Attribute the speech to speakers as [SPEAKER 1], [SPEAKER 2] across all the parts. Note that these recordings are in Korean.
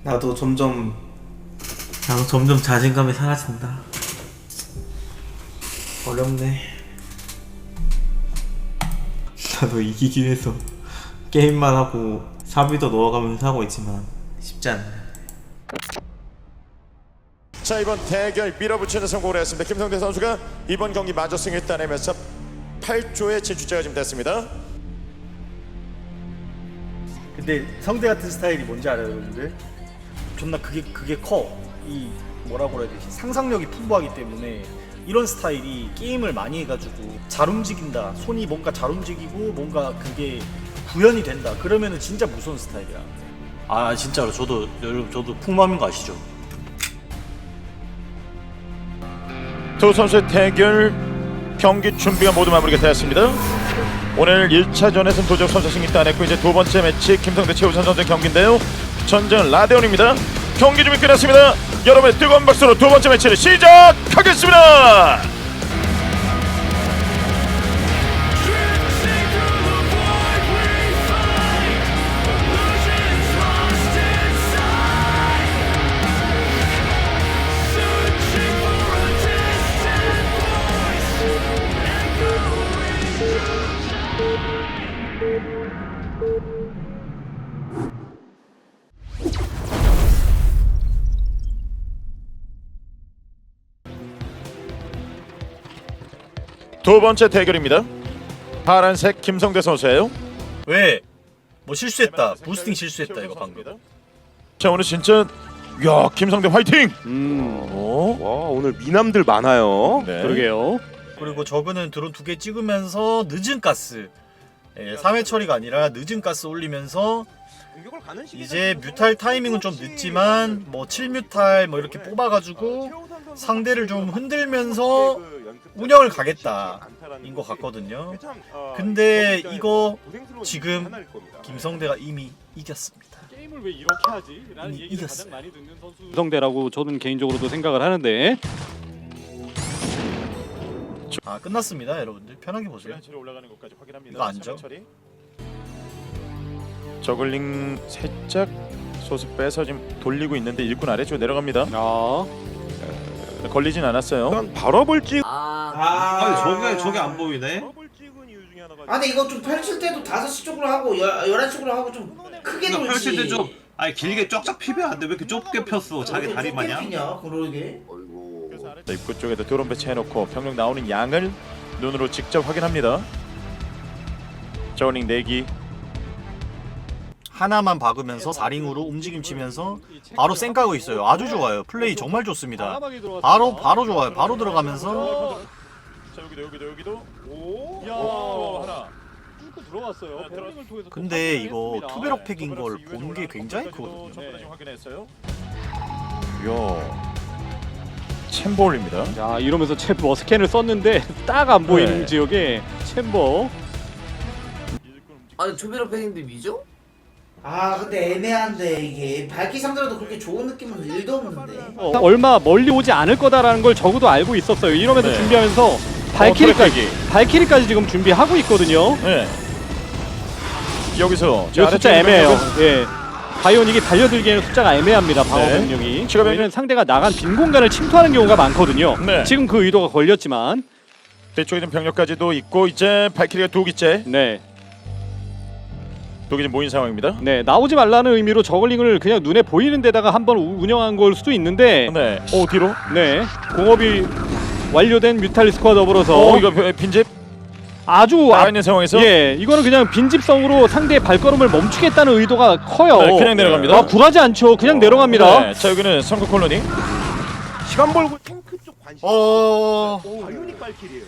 [SPEAKER 1] 나도 점점 자신감이 사라진다. 어렵네. 나도 이기기 위해서 게임만 하고 사비도 넣어가면서 하고 있지만 쉽지 않네.
[SPEAKER 2] 자, 이번 대결 밀어붙이는 성공을 했습니다. 김성대 선수가 이번 경기 마저 승을 따내면서 8조의 진출자가 지금 됐습니다.
[SPEAKER 3] 근데 성대 같은 스타일이 뭔지 알아요, 여러분들? 존나 그게 커. 이 뭐라고 해야 되지? 상상력이 풍부하기 때문에 이런 스타일이 게임을 많이 해가지고 잘 움직인다. 손이 뭔가 잘 움직이고 뭔가 그게 구현이 된다. 그러면은 진짜 무서운 스타일이야. 아 진짜로 저도 여러분 저도 풍마음인 거 아시죠?
[SPEAKER 2] 두 선수의 대결 경기 준비가 모두 마무리가 되었습니다. 오늘 1차전에서는 도적 선수 승리 따냈고 이제 두 번째 매치 김성대 최우선 선수의 경기인데요. 전쟁은 라데온입니다. 경기 준비 끝났습니다. 여러분의 뜨거운 박수로 두 번째 매치를 시작하겠습니다. 두 번째 대결입니다. 파란색 김성대 선수예요.
[SPEAKER 3] 왜? 뭐 실수했다. 부스팅 실수했다 이거 방금.
[SPEAKER 2] 자, 오늘 진짜 야, 김성대 화이팅!
[SPEAKER 4] 와, 오늘 미남들 많아요.
[SPEAKER 2] 네.
[SPEAKER 4] 그러게요.
[SPEAKER 3] 그리고 저그는 드론 2개 찍으면서 늦은 가스 3회 처리가 아니라 늦은 가스 올리면서 이제 뮤탈 타이밍은 좀 늦지만 뭐 7뮤탈 뭐 이렇게 뽑아가지고 상대를 좀 흔들면서 운영을 가겠다 인 것 같거든요. 근데 이거 지금 김성대가 이미 이겼습니다.
[SPEAKER 5] 게임을 왜 이렇게 하지? 라는
[SPEAKER 3] 이미
[SPEAKER 5] 얘기를
[SPEAKER 3] 이겼어.
[SPEAKER 5] 가장 많이 듣는 선수.
[SPEAKER 4] 성대라고 저는 개인적으로도 생각을 하는데
[SPEAKER 3] 아 끝났습니다 여러분들 편하게 보세요.
[SPEAKER 2] 올라가는 것까지 확인합니다.
[SPEAKER 3] 이거 안죠?
[SPEAKER 2] 저글링 살짝 소스 빼서 지금 돌리고 있는데 일꾼 아래쪽으로 내려갑니다.
[SPEAKER 4] 아,
[SPEAKER 2] 걸리진 않았어요.
[SPEAKER 4] 발업을 찍.
[SPEAKER 1] 저게 안 보이네.
[SPEAKER 6] 아니 이거 좀 펼칠 때도 5시 쪽으로 하고 11시 쪽으로 하고 좀 크게
[SPEAKER 1] 이거
[SPEAKER 6] 돌지.
[SPEAKER 1] 펼칠 때 좀 아니 길게 쫙쫙 피면 안 돼. 왜 이렇게 좁게 폈어? 자기 다리 마냥.
[SPEAKER 6] 냐 그러게.
[SPEAKER 2] 자, 입구 쪽에도 드론 배치해놓고 병력 나오는 양을 눈으로 직접 확인합니다. 저글링 4기.
[SPEAKER 3] 하나만 박으면서 4링으로 움직임 치면서 바로 쌩까고 있어요. 아주 좋아요. 플레이 정말 좋습니다. 바로 좋아요. 바로 들어가면서
[SPEAKER 2] 자, 여기도. 오,
[SPEAKER 5] 야,
[SPEAKER 2] 하나.
[SPEAKER 5] 뚫고 들어왔어요. 패링을 통해서
[SPEAKER 3] 근데
[SPEAKER 5] 또
[SPEAKER 3] 이거
[SPEAKER 5] 확인을
[SPEAKER 3] 투베럭
[SPEAKER 5] 했습니다.
[SPEAKER 3] 팩인 걸 본 게 굉장히 크거든요.
[SPEAKER 2] 전부 다 지금 확인했어요. 이야, 챔버올입니다.
[SPEAKER 4] 야, 이러면서 챔버 스캔을 썼는데 딱 안 보이는
[SPEAKER 2] 네.
[SPEAKER 4] 지역에 챔버.
[SPEAKER 7] 아니 조비로 팬인데 미죠?
[SPEAKER 6] 아 근데 애매한데 이게 밝기 상대로도 그렇게 좋은 느낌은 1도 없는데.
[SPEAKER 4] 얼마 멀리 오지 않을 거다라는 걸 적어도 알고 있었어요. 이러면서
[SPEAKER 2] 네.
[SPEAKER 4] 준비하면서 발키리까지 지금 준비하고 있거든요.
[SPEAKER 2] 네. 여기서
[SPEAKER 4] 이 숫자
[SPEAKER 2] 아래쪽에
[SPEAKER 4] 애매해요.
[SPEAKER 2] 병력은
[SPEAKER 4] 예. 바이오닉이 달려들기에는 숫자가 애매합니다. 방어
[SPEAKER 2] 네.
[SPEAKER 4] 병력이.
[SPEAKER 2] 추가 병력.
[SPEAKER 4] 저희는 상대가 나간 빈 공간을 침투하는 경우가 많거든요.
[SPEAKER 2] 네.
[SPEAKER 4] 지금 그 의도가 걸렸지만,
[SPEAKER 2] 뒤쪽에 있는 병력까지도 있고 이제 발키리가 2기째
[SPEAKER 4] 네,
[SPEAKER 2] 2기 모인 상황입니다.
[SPEAKER 4] 네 나오지 말라는 의미로 저글링을 그냥 눈에 보이는 데다가 한번 운영한 걸 수도 있는데,
[SPEAKER 2] 네. 오, 뒤로.
[SPEAKER 4] 네, 공업이 완료된 뮤탈리스크와 더불어서
[SPEAKER 2] 이거 빈집
[SPEAKER 4] 아주
[SPEAKER 2] 나와 있는 상황에서
[SPEAKER 4] 예, 이거는 그냥 빈집성으로 상대의 발걸음을 멈추겠다는 의도가 커요.
[SPEAKER 2] 네, 그냥 내려갑니다.
[SPEAKER 4] 아, 굴하지 않죠. 그냥 내려갑니다.
[SPEAKER 2] 네. 자, 여기는 성크 콜로니.
[SPEAKER 4] 시간 벌고
[SPEAKER 7] 탱크 쪽 관심.
[SPEAKER 4] 바이오닉
[SPEAKER 7] 발길이에요.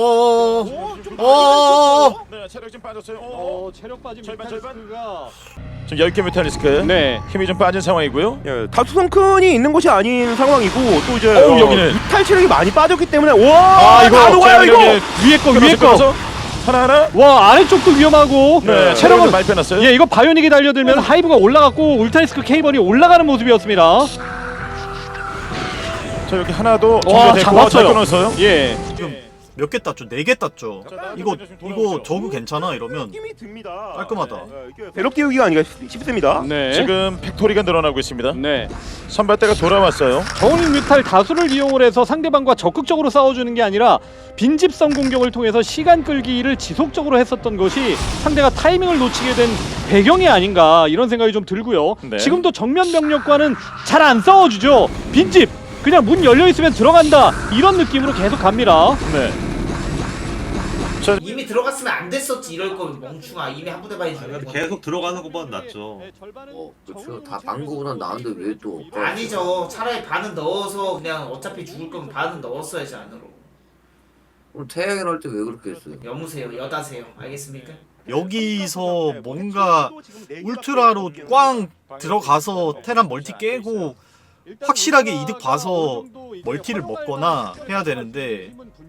[SPEAKER 2] 네, 체력 좀 빠졌어요.
[SPEAKER 4] 체력 빠진
[SPEAKER 2] 절반.
[SPEAKER 4] 뮤탈리스크가
[SPEAKER 2] 지금 10개 메탈리스크.
[SPEAKER 4] 네.
[SPEAKER 2] 힘이 좀 빠진 상황이고요.
[SPEAKER 8] 예, 다투성큰이 있는 것이 아닌 상황이고 또 이제
[SPEAKER 2] 여기는
[SPEAKER 8] 이탈 체력이 많이 빠졌기 때문에 와
[SPEAKER 4] 아, 이거
[SPEAKER 8] 다 녹아요 이거.
[SPEAKER 4] 위에 거.
[SPEAKER 2] 하나하나.
[SPEAKER 4] 와, 아래쪽도 위험하고.
[SPEAKER 2] 네, 체력은 많이 빼놨어요.
[SPEAKER 4] 예, 이거 바이오닉이 달려들면 하이브가 올라갔고 울타리스크 케이번이 올라가는 모습이었습니다.
[SPEAKER 2] 자, 여기 하나도
[SPEAKER 4] 와,
[SPEAKER 2] 정리됐고
[SPEAKER 4] 잡았어요.
[SPEAKER 2] 잘 끊었어요.
[SPEAKER 4] 예.
[SPEAKER 3] 지금 몇 개 땄죠? 4개 땄죠. 이거 저그 괜찮아 이러면
[SPEAKER 8] 힘이 듭니다.
[SPEAKER 3] 깔끔하다.
[SPEAKER 8] 이게 배럭 띄우기가 아닌가 싶습니다.
[SPEAKER 4] 네.
[SPEAKER 2] 지금 팩토리가 늘어나고 있습니다.
[SPEAKER 4] 네.
[SPEAKER 2] 선발대가 돌아왔어요.
[SPEAKER 4] 저울링 뮤탈 다수를 이용을 해서 상대방과 적극적으로 싸워주는 게 아니라 빈집성 공격을 통해서 시간 끌기를 지속적으로 했었던 것이 상대가 타이밍을 놓치게 된 배경이 아닌가 이런 생각이 좀 들고요.
[SPEAKER 2] 네.
[SPEAKER 4] 지금도 정면 병력과는 잘 안 싸워주죠. 빈집 그냥 문 열려있으면 들어간다 이런 느낌으로 계속 갑니다.
[SPEAKER 2] 네.
[SPEAKER 6] 이미 들어갔으면 안 됐었지 이럴 거면 멍충아. 이미 한 부대 많이 죽은 거.
[SPEAKER 1] 계속 들어가는 것보다 낫죠.
[SPEAKER 7] 그렇죠. 다 방구보다 나은데 왜 또?
[SPEAKER 6] 아니죠. 차라리 반은 넣어서 그냥 어차피 죽을 거면 반은 넣었어야지 안으로.
[SPEAKER 7] 오늘 태양이랑 할 때 왜 그렇게 했어요?
[SPEAKER 6] 여무세요. 여다세요. 알겠습니까?
[SPEAKER 3] 여기서 뭔가 울트라로 꽝 들어가서 테란 멀티 깨고 확실하게 이득 봐서 멀티를 먹거나 해야 되는데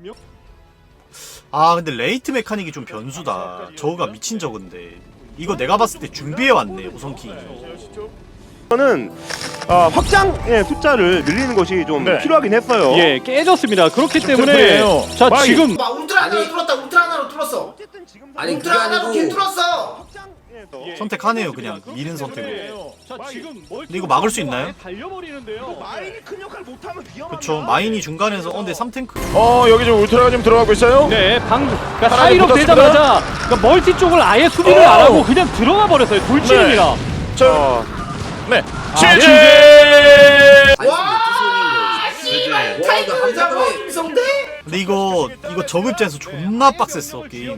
[SPEAKER 3] 아 근데 레이트 메카닉이 좀 변수다. 저거가 미친 저건데 이거 내가 봤을 때 준비해왔네 우선킹.
[SPEAKER 8] 저는 확장의 숫자를 늘리는 것이 좀
[SPEAKER 2] 네.
[SPEAKER 8] 필요하긴 했어요.
[SPEAKER 4] 예, 깨졌습니다. 그렇기 때문에
[SPEAKER 2] 템플이에요.
[SPEAKER 4] 자
[SPEAKER 2] 마이.
[SPEAKER 4] 지금
[SPEAKER 6] 봐, 울트라 하나로 뚫었다. 울트라 하나로 뚫었어.
[SPEAKER 7] 아니 그게
[SPEAKER 6] 울트라 하나로 길
[SPEAKER 7] 아니고
[SPEAKER 6] 뚫었어.
[SPEAKER 3] 선택하네요 그냥 미는 선택으로.
[SPEAKER 4] 자 지금
[SPEAKER 3] 근데 이거 막을 수 있나요?
[SPEAKER 4] 달려버리는데요.
[SPEAKER 8] 마인이 큰 역할 못하면 위험합니다.
[SPEAKER 3] 그쵸 마인이 중간에서 근데 3탱크
[SPEAKER 2] 여기 지금 울트라가 지금 들어가고 있어요.
[SPEAKER 4] 네, 그러니까
[SPEAKER 2] 하나에
[SPEAKER 4] 사이로
[SPEAKER 2] 붙었습니다.
[SPEAKER 4] 되자마자 그러니까 멀티 쪽을 아예 수비를 안 하고 그냥 들어가 버렸어요. 돌진입니다.
[SPEAKER 2] 자, 네.
[SPEAKER 4] 아,
[SPEAKER 2] 지지.
[SPEAKER 6] 와, 씨발 타이밍을 잡아 김성대.
[SPEAKER 3] 근데 이거 저그 입장에서 존나 빡셌어 게임.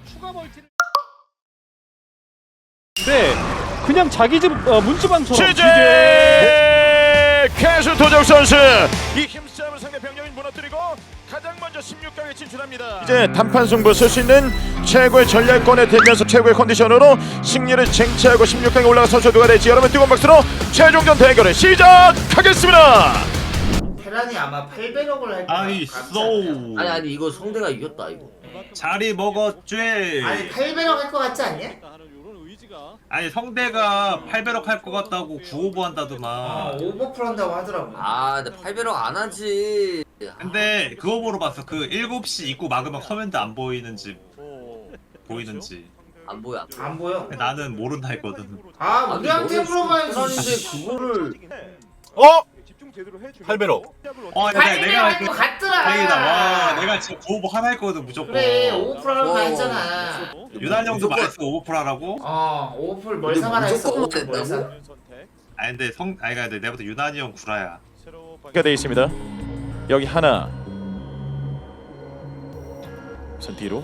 [SPEAKER 4] 네, 그냥 자기 집 문지방처럼
[SPEAKER 2] 지지. 캐수 도적 선수 이 힘싸움을 상대 병력이 무너뜨리고 가장 먼저 16강에 진출합니다. 이제 단판 승부 쓸 수 있는 최고의 전략권에 들면서 최고의 컨디션으로 승리를 쟁취하고 16강에 올라간 선수 누가 될지 여러분 뜨거운 박수로 최종전 대결을 시작하겠습니다.
[SPEAKER 6] 테란이 아마 800억을 할 거야.
[SPEAKER 1] 아이 쏘.
[SPEAKER 7] 아니 이거 성대가 이겼다 이거.
[SPEAKER 1] 자리 먹었죄.
[SPEAKER 6] 아니 800억 할 거 같지 않냐?
[SPEAKER 1] 아니 성대가 800억 할 것 같다고 9오버 한다더만.
[SPEAKER 6] 오버풀 한다고 하더라고.
[SPEAKER 7] 아 근데 800억 안 하지.
[SPEAKER 1] 근데 그거 보러 봤어. 그 7시 입구 막으면 커맨드 안 보이는지 보이는지.
[SPEAKER 7] 안 보여.
[SPEAKER 6] 안 보여.
[SPEAKER 1] 나는 모른다 했거든.
[SPEAKER 6] 아 우리한테 물어봐야지.
[SPEAKER 7] 그런데 그거를
[SPEAKER 3] 800억.
[SPEAKER 1] 내가 그
[SPEAKER 6] 같더라.
[SPEAKER 1] 다행이다. 와, 내가 지금 9오버 하나 했거든 무조건.
[SPEAKER 6] 그래 오버풀 하라고 다 했잖아.
[SPEAKER 1] 유난 형도
[SPEAKER 7] 무조건-
[SPEAKER 1] 말했어 오버풀 하라고.
[SPEAKER 6] 오버풀 멀상하라 했어.
[SPEAKER 7] 무조건
[SPEAKER 6] 오버풀 멀상.
[SPEAKER 7] 못했다고?
[SPEAKER 1] 아니 근데 근데 내가부터 유난이 형 구라야.
[SPEAKER 2] 가 돼 있습니다. 여기 하나. 우선 뒤로.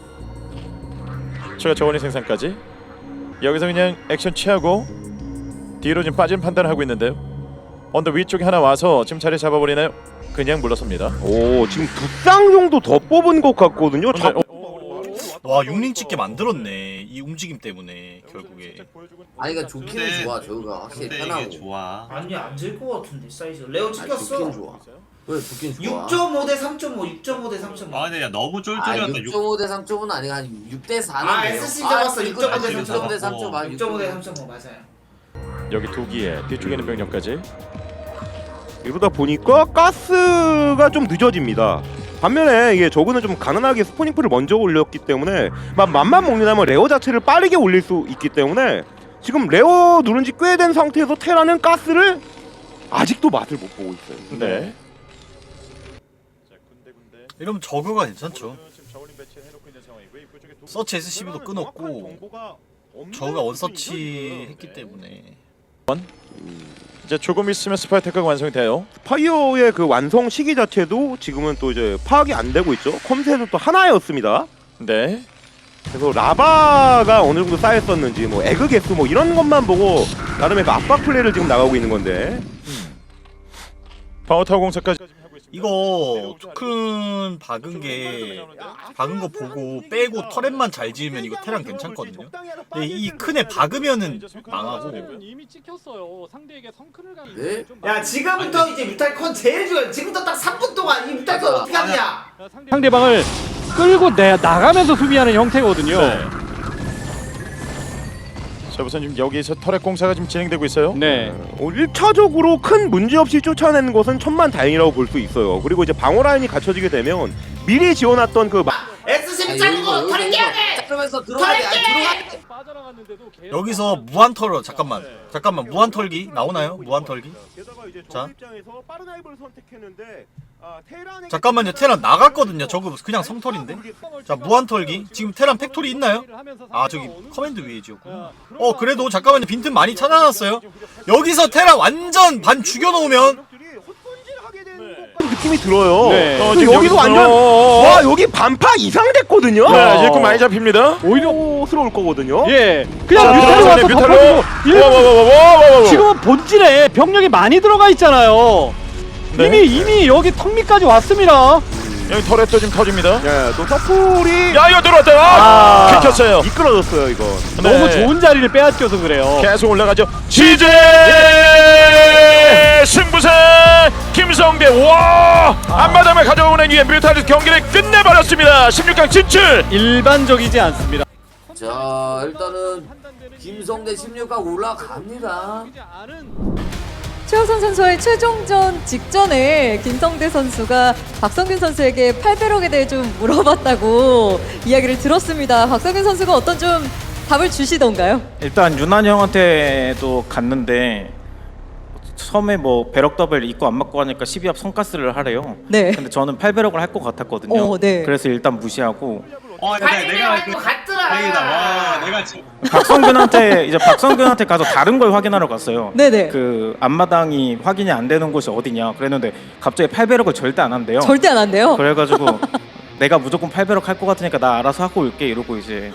[SPEAKER 2] 추가 저원의 생산까지. 여기서 그냥 액션 취하고 뒤로 지금 빠진 판단을 하고 있는데요. 언더 위쪽에 하나 와서 지금 자리 잡아버리나요? 그냥 물러섭니다.
[SPEAKER 8] 오 지금 두 쌍 정도 더 뽑은 것 같거든요.
[SPEAKER 3] 와 6링 찍게 만들었네 이 움직임 때문에 결국에.
[SPEAKER 7] 아니 그러니까 좋기는 좋아 저거가 확실히
[SPEAKER 1] 근데
[SPEAKER 7] 편하고.
[SPEAKER 1] 이게 좋아.
[SPEAKER 6] 아니 안질 것 같은데 사이즈. 레오
[SPEAKER 7] 아니,
[SPEAKER 6] 찍혔어.
[SPEAKER 7] 좋긴 좋아. 왜 좋긴 좋아.
[SPEAKER 6] 6.5 대 3.5, 6.5 대 3.5.
[SPEAKER 1] 아 근데 야 너무
[SPEAKER 7] 아
[SPEAKER 1] 쫄쫄이었다.
[SPEAKER 7] 6.5 대 3.5는 아니고 한 6대 4는
[SPEAKER 6] 아, SC 잡았어. 6.5 대
[SPEAKER 7] 6.5 대 3.5
[SPEAKER 6] 6.5 대 3.5 맞아요.
[SPEAKER 2] 여기 두기에 뒤쪽에 있는 병력까지.
[SPEAKER 8] 이러다 보니까 가스가 좀 늦어집니다. 반면에 이게 저그는 좀 가난하게 스포닝풀을 먼저 올렸기 때문에 맘만 먹는다면 레어 자체를 빠르게 올릴 수 있기 때문에 지금 레어 누른 지 꽤 된 상태에서 테라는 가스를 아직도 맛을 못 보고 있어요.
[SPEAKER 2] 네.
[SPEAKER 3] 이러면 저그가 괜찮죠. 서치 SCB도 끊었고 저그가 원서치 했기 때문에.
[SPEAKER 2] 이제 조금 있으면 스파이테크가 완성이 돼요.
[SPEAKER 8] 파이어의 그 완성 시기 자체도 지금은 또 이제 파악이 안 되고 있죠. 컴셋은 또 하나였습니다.
[SPEAKER 2] 네.
[SPEAKER 8] 그래서 라바가 어느 정도 쌓였었는지 뭐 에그 개수 뭐 이런 것만 보고 나름의 그 압박 플레이를 지금 나가고 있는 건데
[SPEAKER 2] 파워타워 공사까지.
[SPEAKER 3] 이거 큰 박은 거 보고 빼고 터렛만 잘 지으면 이거 테란 괜찮거든요. 근데 이 큰에 박으면은 망하고.
[SPEAKER 4] 이미 찍혔어요. 상대에게 성큰을 가는
[SPEAKER 7] 네?
[SPEAKER 4] 게 좀
[SPEAKER 6] 야 지금부터 이제 뮤탈컨 제일 중요해. 지금부터 딱 3분 동안 이 뮤탈컨
[SPEAKER 7] 맞아.
[SPEAKER 6] 어떻게 하느냐.
[SPEAKER 4] 상대방을 끌고 나가면서 수비하는 형태거든요.
[SPEAKER 2] 네. 자 우선 지금 여기서 터렛 공사가 지금 진행되고 있어요.
[SPEAKER 4] 네.
[SPEAKER 8] 1차적으로 큰 문제 없이 쫓아내는 것은 천만다행이라고 볼 수 있어요. 그리고 이제 방어 라인이 갖춰지게 되면 미리 지어놨던 그
[SPEAKER 6] S12 자르고 털이 깨야 돼.
[SPEAKER 7] 자르면서 들어가야 돼. 들어가야 돼.
[SPEAKER 5] 빠져나갔는데도 계속
[SPEAKER 3] 여기서 무한 털어 잠깐만 무한 털기 나오나요? 무한 털기? 자. 잠깐만요. 테란 나갔거든요. 저거 그냥 성털인데. 자 무한 털기. 지금 테란 팩토리 있나요? 아 저기 커맨드 위에 지었구나. 그래도 잠깐만요. 빈틈 많이 찾아놨어요. 여기서 테란 완전 반 죽여놓으면
[SPEAKER 8] 느낌이 들어요.
[SPEAKER 4] 네.
[SPEAKER 8] 근데 여기서 완전 와 여기 반파 이상 됐거든요.
[SPEAKER 2] 네, 일꾼 많이 잡힙니다.
[SPEAKER 4] 오히려
[SPEAKER 8] 스러울 거거든요.
[SPEAKER 4] 예. 그냥
[SPEAKER 2] 자,
[SPEAKER 4] 뮤탈로 와서
[SPEAKER 2] 뮤탈로.
[SPEAKER 4] 덮어주고 지금은 본질에 병력이 많이 들어가 있잖아요.
[SPEAKER 2] 네.
[SPEAKER 4] 이미 여기 턱 밑까지 왔습니다.
[SPEAKER 2] 여기 터렛도 지금 터집니다.
[SPEAKER 8] 예, 또 서플이
[SPEAKER 2] 야 이거 들어왔다. 긁혔어요.
[SPEAKER 8] 미끄러졌어요 이건.
[SPEAKER 4] 너무 좋은 자리를 빼앗겨서 그래요.
[SPEAKER 2] 계속 올라가죠. 지제 승부세 김성대 와 앞마당을 가져오는 이에 뮤탈리스 경기를 끝내버렸습니다. 16강 진출.
[SPEAKER 4] 일반적이지 않습니다.
[SPEAKER 7] 자 일단은 김성대 16강 올라갑니다.
[SPEAKER 9] 최우선 선수의 최종전 직전에 김성대 선수가 박성균 선수에게 8배럭에 대해 좀 물어봤다고 이야기를 들었습니다. 박성균 선수가 어떤 좀 답을 주시던가요?
[SPEAKER 10] 일단 윤환이 형한테도 갔는데 처음에 뭐 배럭 더블 입고 안 맞고 하니까 12합 성가스를 하래요.
[SPEAKER 9] 네.
[SPEAKER 10] 근데 저는 8배럭을 할 것 같았거든요.
[SPEAKER 9] 네.
[SPEAKER 10] 그래서 일단 무시하고
[SPEAKER 6] 내가 그 같더라.
[SPEAKER 1] 내가 지금
[SPEAKER 10] 박성균한테 가서 다른 걸 확인하러 갔어요.
[SPEAKER 9] 네네.
[SPEAKER 10] 그 앞마당이 확인이 안 되는 곳이 어디냐 그랬는데 갑자기 8배럭을 절대 안 한대요.
[SPEAKER 9] 절대 안 한대요.
[SPEAKER 10] 그래가지고 내가 무조건 8배럭 할 것 같으니까 나 알아서 하고 올게 이러고 이제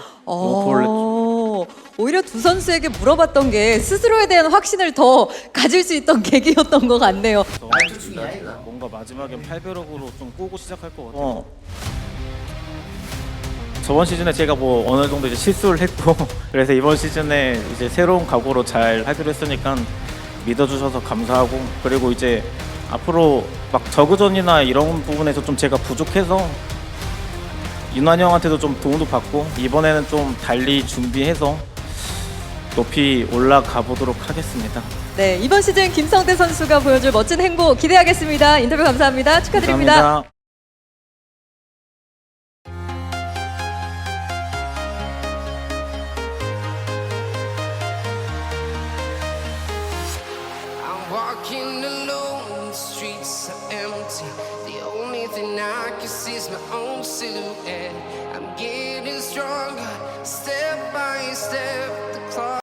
[SPEAKER 9] 오히려 두 선수에게 물어봤던 게 스스로에 대한 확신을 더 가질 수 있던 계기였던 것 같네요.
[SPEAKER 10] 뭔가 마지막엔 8배럭으로 좀 꼬고 시작할 것 같아요. 저번 시즌에 제가 뭐 어느 정도 이제 실수를 했고 그래서 이번 시즌에 이제 새로운 각오로 잘 하기로 했으니까 믿어주셔서 감사하고 그리고 이제 앞으로 막 저그전이나 이런 부분에서 좀 제가 부족해서 윤환이 형한테도 좀 도움도 받고 이번에는 좀 달리 준비해서 높이 올라가 보도록 하겠습니다.
[SPEAKER 9] 네, 이번 시즌 김성대 선수가 보여줄 멋진 행보 기대하겠습니다. 인터뷰 감사합니다. 축하드립니다.
[SPEAKER 10] 감사합니다.
[SPEAKER 11] Walking alone, the streets are empty. The only thing I can see is my own silhouette. I'm getting stronger, step by step.